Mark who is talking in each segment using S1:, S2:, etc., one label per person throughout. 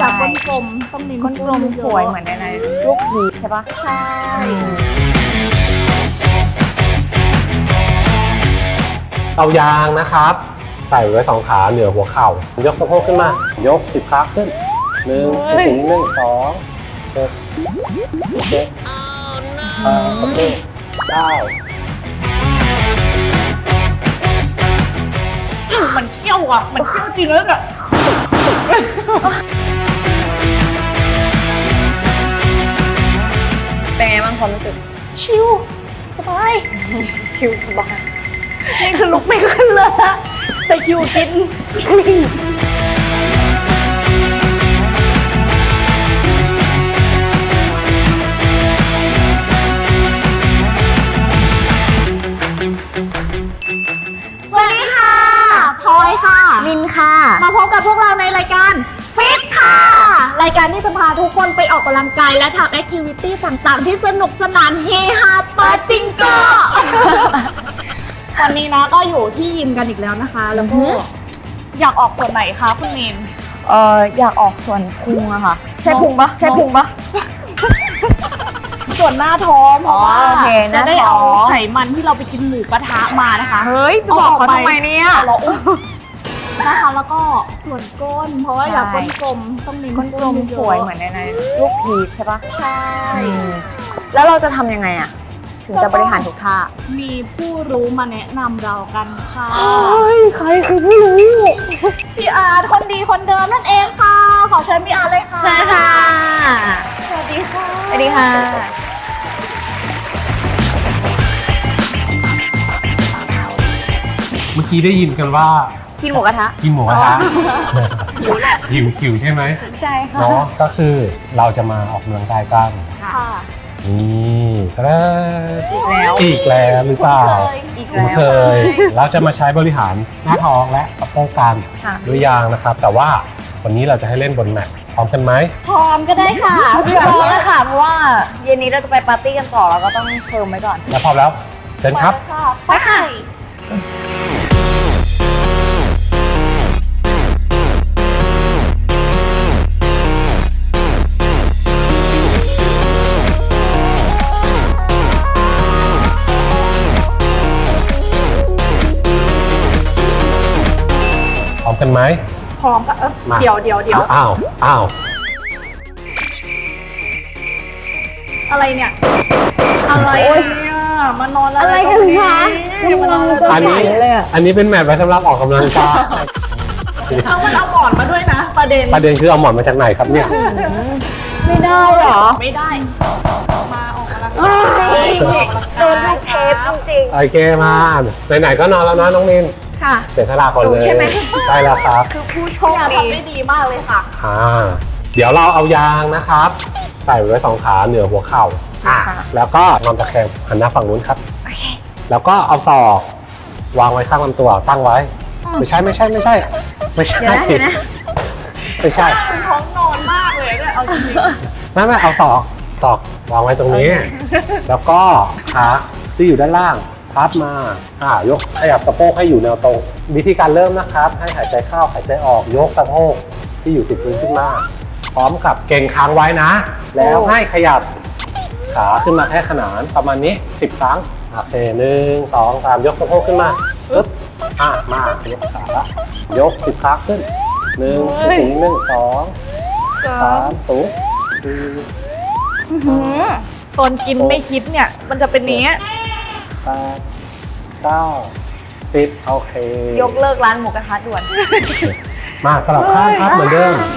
S1: อยากก้นกลมต้องเน้น
S2: ก้นกลมสวยเหมือนในรูปพีชใช่ปะ
S1: ใช่
S3: เอายางนะครับใส่ไว้2 ขาเหนือหัวเข่ายกสะโพกขึ้นมายก10 ครั้งขึ้น1 ถึง1 2 7 7 8 9
S1: มันเขี้ยวอ่ะมันเขี้ยวจริงแล้วอ่ะ
S2: เป็นไงบ้างความรู้สึก
S1: ชิวสบาย
S2: ชิลสบาย
S1: นี่คือลุกไม่ขึ้นเลยอะแต่คิวกินสวัสดีค่ะพลอยค่ะ
S2: มินค่ะ
S1: มาพบกับพวกเราในรายการฟิตค่ะ รายการที่จะพาทุกคนไปออกกำลังกายและทำแอคทิวิตี้ต่างๆ ที่สนุกสนานเฮฮาปาจิงโก วันนี้นะก็อยู่ที่ยิมกันอีกแล้วนะคะ แล้วก็อยากออกส่วนไหนคะคุณเมน
S2: อยากออกส่วนพุงอะค่ะ ใช่พุงปะใช่พุงปะ
S1: ส่วนหน้าท้องเพราะว่า
S2: โอเคห
S1: จะ
S2: น้า
S1: ได้
S2: ท้
S1: เอา
S2: อง
S1: ไขมันที่เราไปกินหมูกระทะมานะคะ
S2: เฮ้ยไปบอกเขาทำไมเนี่ย
S1: เราอุ้มนะคะแล้วก็ส่วนก้น เพราะว่าอยากก้นกลมต้องเน้น
S2: ก้นกลมสวยเหมือนในรูปพีชใช่ปะ
S1: ใช่
S2: แล้วเราจะทำยังไงอะถึงจะบริหารทุกท่า
S1: มีผู้รู้มาแนะนำเรากันค่ะ
S2: ใครคือผู้รู้
S1: พี่อาร์ตคนดีคนเดิมนั่นเองค่ะ ขอเชิญพี่อาร์ตเลยค่ะ
S2: ใช่ค่ะ
S1: สวัสดีค่ะ
S2: สวัสดีค่ะ
S3: เมื่อกี้ได้ยินกันว่า
S2: กินหมูกระทะ
S3: กินหมูกระทะหิวใช่ไหม
S2: ใช่ค่ะ
S3: เนาะก็คือเราจะมาออกกำลังกายกัน
S1: ค่ะ
S3: นี่ก็ได้
S2: อีกแล้ว
S3: อีกแล้วหรือเปล่า
S2: อีก
S3: คุ้น
S2: แล้ว
S3: เคยเราจะมาใช้บริหารหน้าท้องและสะโพกกัน
S2: ค่ะ
S3: ด้วยยางนะครับ แต่ว่าวันนี้เราจะให้เล่นบนแมตพร้อมกันไหม
S1: พร้อมก็ได้ค่ะ
S2: พี่พร้อมแล้วค่ะเพราะว่าเย็นนี้เราจะไปปาร์ตี้กันต่อเราก็ต้องเพิ่มไว้ก่อน
S3: แล้วพร้อมแล้วเชิญครับ
S1: ไปค่ะ
S3: พร้อมกันไหม
S1: พร้อมก็
S3: มา
S1: เดี๋ยว
S3: อ้าว
S1: อะไรเนี่ย อะไรเนี่ยมานอนแล้ว
S2: อะไรกันคะ
S1: มานอนแล้ว
S3: อันนี้
S2: เลยอะ
S3: อันนี้เป็นแมตช์ไว้สำหรับออกกำลังกาย
S1: เอามันเอาหมอนมาด้วยนะ ประเด็น
S3: ประเด็นคือเอาหมอนมาจากไหนครับเนี่ย
S2: ไม่ได้เหรอ
S1: ไม่ได้ มาออกกำลัง
S2: เอ้
S1: กาย
S2: ยโดนทุกเทปจริง
S3: โอเคมาไหนๆก็นอนแล้วนะน้องมิน
S2: ๆค่ะ
S3: เสียสละก่อนเลย
S2: ใช่ไหม
S3: ใช่แล้วครับ
S2: คือผู้โช
S1: พี่
S2: ค
S1: อาร์
S2: ดี
S1: ทำได้ดีมากเลยค่ะ
S3: เดี๋ยวเราเอายางนะครับ ใส่ไว้2 ขาเหนือหัวเข่าแล้วก็นอนตะแคงหันหน้าฝั่งนู้นครับแล้วก็เอาศอกวางไว้ข้างลำตัวตั้งไว้ ไม่ใช่
S2: เดี๋ยวนะเดี๋ยวนะ
S3: ไม่ใช่
S1: คุณท้องนอนมากเลยเนี่ยเอาจริง
S3: ไม่เอาศอกวางไว้ตรงนี้ แล้วก็ขาที่อยู่ด้านล่างพับมายกขยับสะโพกให้อยู่แนวตรง วิธีการเริ่มนะครับ ให้หายใจเข้าหายใจออกยกสะโพกที่อยู่ติดพื้นขึ้นมา พร้อมกับเก่งค้างไว้นะ แล้วให้ขยับขาขึ้นมาแค่ขนานประมาณนี้10 ครั้งโอเค1 2 3ยกสะโพกขึ้นมาปึ๊บมายกขายก10 ครั้งขึ้น1 ถึง1 2 3สูง
S1: ๆตอนกินไม่คิดเนี่ย มันจะเป็นนี้
S3: 8 9 10โอเค
S2: ยกเลิกร้านหมูกระทะด่วน
S3: มาสลับข้างครับเหมือนเดิม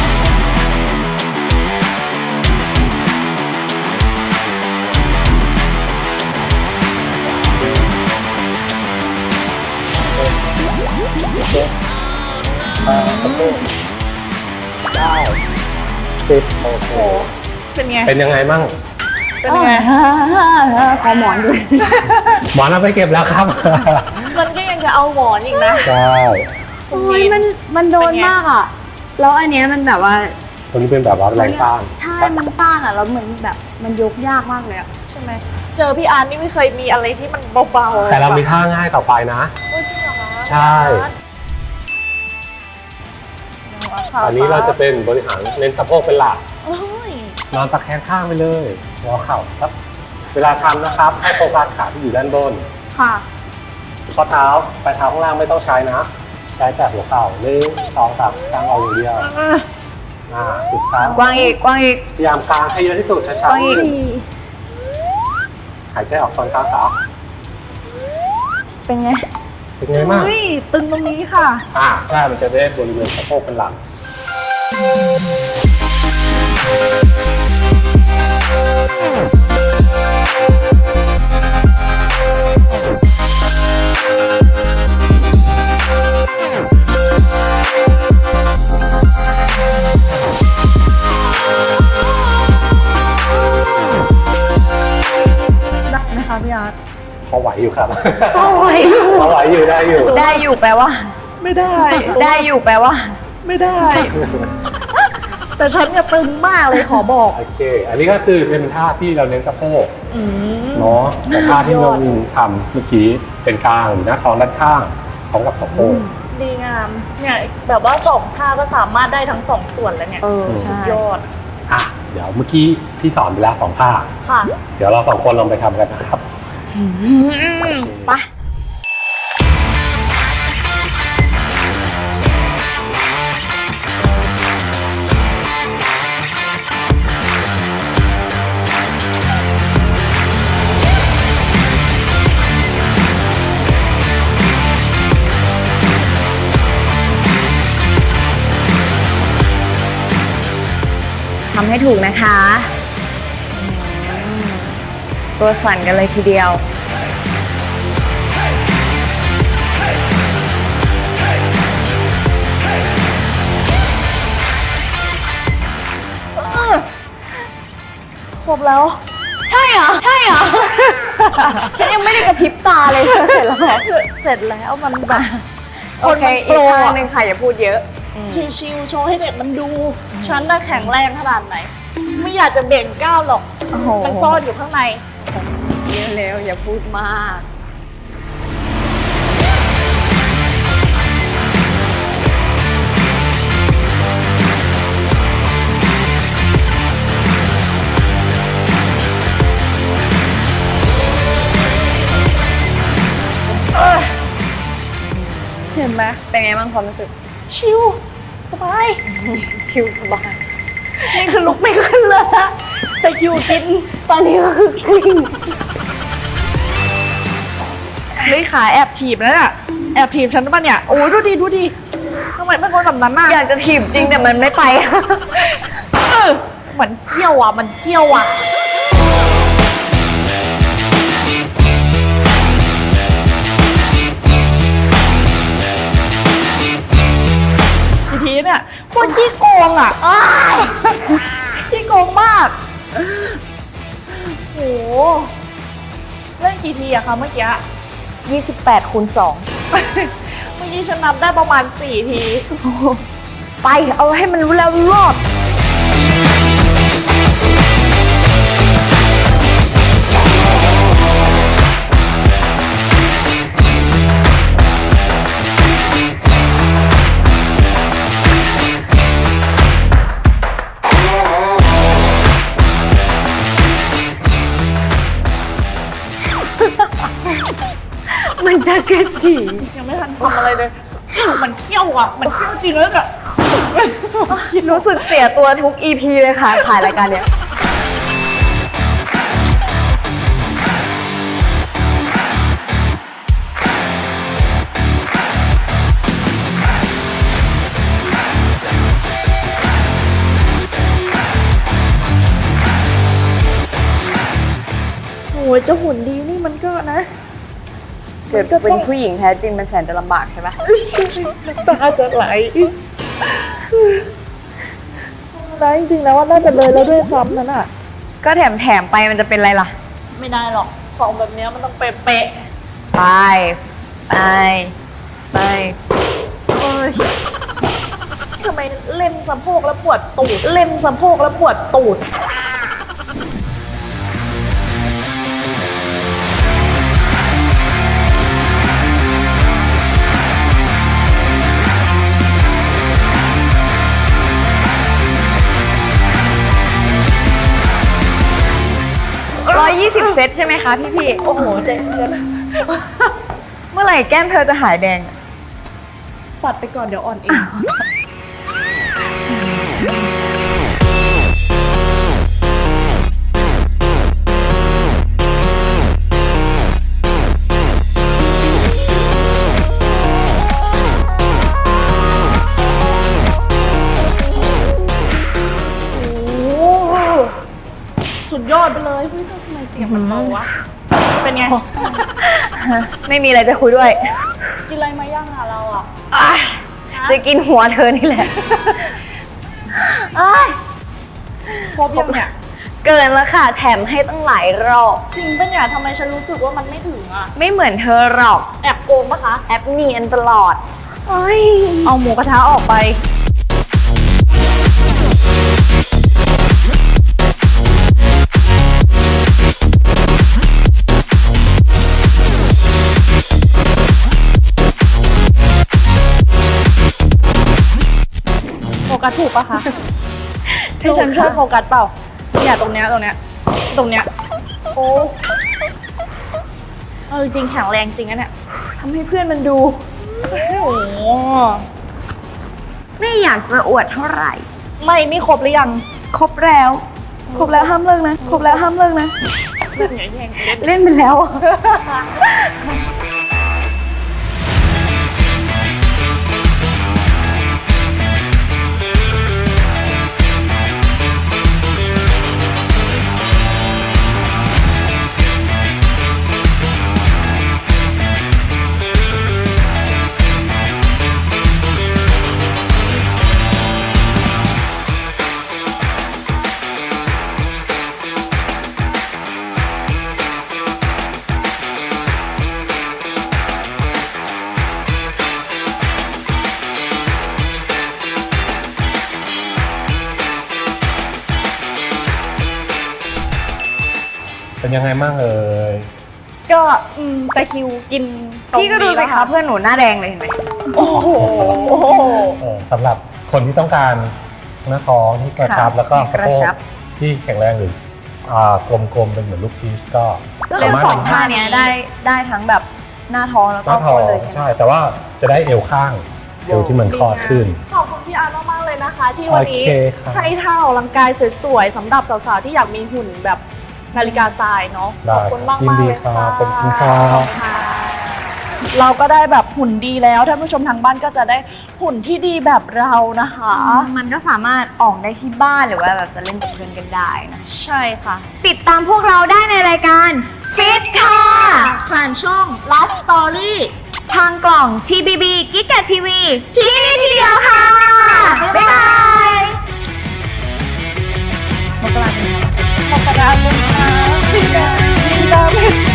S3: 10โอเค
S1: เป็นไง
S3: เป็นยังไงมั่ง
S1: เป็นไง
S2: ขอหมอนด้วย
S3: หมอนเอาไปเก็บแล้วครับ
S1: มันก็ยังจะเอาหมอนอีกนะ
S3: ใช่
S2: โอ้ยมันโดนมากอ่ะ แล้วอันเนี้ยมันแบบว่า
S3: ตัวนี้เป็นแบบว่าแรงต้าน
S2: ใช่ มันต้านอ่ะ แล้วเหมือนแบบมันยกยากมากเลยอ่ะ
S1: ใช่ไหม เจอพี่อาร์ตนี่ไม่เคยมีอะไรที่มันเบาๆ
S3: แต่เรามีท่าง่ายต่อไปนะ
S1: โอ้ยจริงเหรอคะ
S3: ใช่
S1: ไ
S3: อันนี้เราจะเป็นบริหารเน้นสะโพกเป็นหลัก
S1: โอ้ย
S3: นอนตะแคงข้างไปเลยงอเข่าครับ เวลาทำนะครับ ให้โฟกัสขาที่อยู่ด้านบน
S1: ค่ะ
S3: ข้อเท้าปลายเท้าข้างล่างไม่ต้องใช้นะ ใช้แต่หัวเข่า1 2 3กางออกอย่างเดียวสุดท้าย
S2: กว้างอีกกว้างอีก
S3: พยายามกางให้เยอะที่สุดช้า
S2: ไปอีก
S3: ๆหายใจออกตอนกลางขา
S2: เป็นไง
S3: เป็นไงบ้าง
S1: เฮ้ยตึงตรงนี้ค่ะ
S3: ใช่มันจะได้บริเวณสะโพกเป็นหลัก
S1: ได้ไหมคะพี่อาร์ต
S3: พอไหวอยู่ครับ
S1: โอ้ย
S3: พอไหวอยู่ได้อยู่
S2: ได้อยู่แปลว่า
S1: ไม่ได้
S2: ได้อยู่แปลว่า
S1: ไม่ได้ แต่ฉันเนี่ยตึงมากเลยขอบอก
S3: โอเค อันนี้ก็คือเป็นท่าที่เราเน้นสะโพก
S1: อืม
S3: เนาะแต่ท่าที่น้องทำเมื่อกี้เป็นกลางหรือหน้าท้องด้านข้างพร้อมกับสะโพก
S1: ดีงาม เนี่ยแบบว่า2 ท่าก็สามารถได้ทั้ง2 ส่วนแล้วเนี่ย
S2: ใช่
S1: ยอด
S3: เดี๋ยวเมื่อกี้พี่สอนไปแล้ว2ท่า
S1: ค่ะ
S3: เดี๋ยวเรา2คนลองไปทำกันนะครับ
S2: ไป ทำให้ถูกนะคะตัวสั่นกันเลยทีเดียว
S1: ครบแล้ว
S2: ใช่เหรอ ใช่เหรอ ฉันยังไม่ได้กระพริบตาเลย เสร็จแล้ว
S1: เสร็จแล้วมันแบบ
S2: โอเค อีกท่าหนึ่งค่ะอย่าพูดเยอะ
S1: ชิวๆโชว์ให้เด็กมันดู ฉันน่ะแข็งแรงขนาดไหน ไม่อยากจะเบ่งก้าวหรอก
S2: โอ้โห
S1: มันซ่อนอยู่ข้างใน
S2: เยอะแล้วอย่าพูดมาก
S1: เห็นไหม
S2: เป็นไงบ้างความรู้สึก
S1: ชิวสบาย
S2: ชิลสบาย
S1: นี่คือลุกไม่ขึ้นเลยนะแต่คิวกิน
S2: ตอนนี้ก็คือกลิ้ง
S1: เลยขาแอบถีบแล้วน่ะ แอบถีบฉันป่ะเนี่ย โอ้ยดูดีดูดีทำไมเป็นคนแบบนั้นน่ะ
S2: อยากจะถีบจริงแต่มันไม่ไป
S1: เออเหมือนเขี้ยวอ่ะ มันเขี้ยวอ่ะ ทีทีเนี่ยโคตรขี้โกงอ่ะอ้ายขี้โกงมาก โห เล่นกี่ทีอะคะเมื่อกี้
S2: 28 คูณ
S1: เมื่อกี้ฉันนับได้ประมาณ4 ที
S2: 2 ไป เอาให้มันรู้แล้วรอด มันจะกระจี
S1: ยังไม่ทันทำอะไรเลย มันเขี้ยวอ่ะ มันเขี้ยวจริงแล้วอะ
S2: รู้สึกเสียตัวทุก EP เลยค่ะ ถ่ายรายการเนี้ย
S1: โอ้ยเจ้าหุ่นดีนี่มันก็นะ
S2: เกิดเป็นผู้หญิงแท้จริงมันแสนจะลำบากใช่ไหม
S1: น้ำตาจะไหลนะจริงๆแล้วว่าน่าจะเลยแล้วด้วยซ้ำนั่นอ่ะ
S2: ก็แถมไปมันจะเป็นไรล่ะ
S1: ไม่ได้หรอก ของแบบเนี้ยมันต้องเป๊ะ
S2: ไป ไป ไป
S1: ๆเอ้ยทำไมเล่นสะโพกแล้วปวดตูด เล่นสะโพกแล้วปวดตูด
S2: 20 เซตใช่ไหมคะพี่
S1: โอ้โหใจเย็น
S2: ๆเมื่อไหร่แก้มเธอจะหายแดง
S1: ปัดไปก่อนเดี๋ยวอ่อนเอง โอ้โหสุดยอดไปเลยเฮ้ยทำไมเสียงมันเบาวะ เป็นไง
S2: ไม่มีอะไรจะคุยด้วย
S1: กินอะไรมาย่างอะเราอะ
S2: จะกินหัวเธอนี่แหละ
S1: ครบยังเนี่ย
S2: เกินแล้วค่ะ แถมให้ตั้งหลายรอบ
S1: จริงปะเนี่ยทำไมฉันรู้สึกว่ามันไม่ถึงอะ
S2: ไม่เหมือนเธอหรอก
S1: แอบโกงปะคะ
S2: แอปเนียนตลอดเอ้ย
S1: เอาหมูกระทะออกไป โฟกัสถูกปะคะ ที่ฉันช่วยโฟกัสเปล่าเนี่ยตรงเนี้ย โอ้จริงแข็งแรงจริงนะเนี่ยทำให้เพื่อนมันดู โอ้โห
S2: ไม่อยากจะอวดเท่าไหร่
S1: ไม่นี่ครบหรือยัง
S2: ครบแล้ว ห้ามเลิกนะ ครบแล้วห้ามเลิกนะ
S1: เล่นอย่างแย่งเล่น
S2: เล่นไปแล้ว
S3: เป็นยังไงบ้างเอ่ย
S1: ก็ตะคริวกินตรง
S2: พี่ก็ดู
S1: นี้
S2: สิ
S1: แล้ว
S2: คะเพื่อนหนูหน้าแดงเลยเห็นไหม
S1: โอ้โห
S3: สำหรับคนที่ต้องการหน้าท้องที่กระชับแล้วก็สะโพกที่แข็งแรงหรือกลมๆเป็นเหมือนลูกพีชก็
S2: ก็เลยสองท่าเนี้ยได้ทั้งแบบหน้าท้องแล้ว
S3: ห
S2: ก็
S3: น้าท้
S2: ก้
S3: อน ง
S2: เลยใช่ไหม
S3: ใช่ แต่ว่าจะได้เอวข้างเอวที่มันคลอดขึ้น
S1: ขอบคุณพี่อาร์ตมากๆเลยนะคะ ที่วันนี้
S3: โอเคครับ
S1: ให้ท่าออกกำลังกายสวยๆสำหรับสาวๆที่อยากมีหุ่นแบบนาฬิกาทรายเนาะ
S3: ได้
S1: ขอบคุณมาก
S3: ยิน
S1: ๆ
S3: ดี
S1: เลย
S3: ครั
S1: ค่ะ
S3: บขอบคุณครับ
S1: ขอบคุณค่ะเราก็ได้แบบหุ่นดีแล้วท่านผู้ชมทางบ้านก็จะได้หุ่นที่ดีแบบเรานะคะ
S2: มันก็สามารถออกได้ที่บ้านหรือว่าแบบจะเล่นกับเพื่อนกันได้นะ
S1: ใช่ค่ะ
S2: ติดตามพวกเราได้ในรายการฟิตค่ะ
S1: ผ่านช่อง Last Story
S2: ทางกล่อง TBB กิ๊กกะทีวีที่นี่ที่เดียวค่ะ บ๊ายบาย
S1: มกราคมนะคะสิงดาเพชร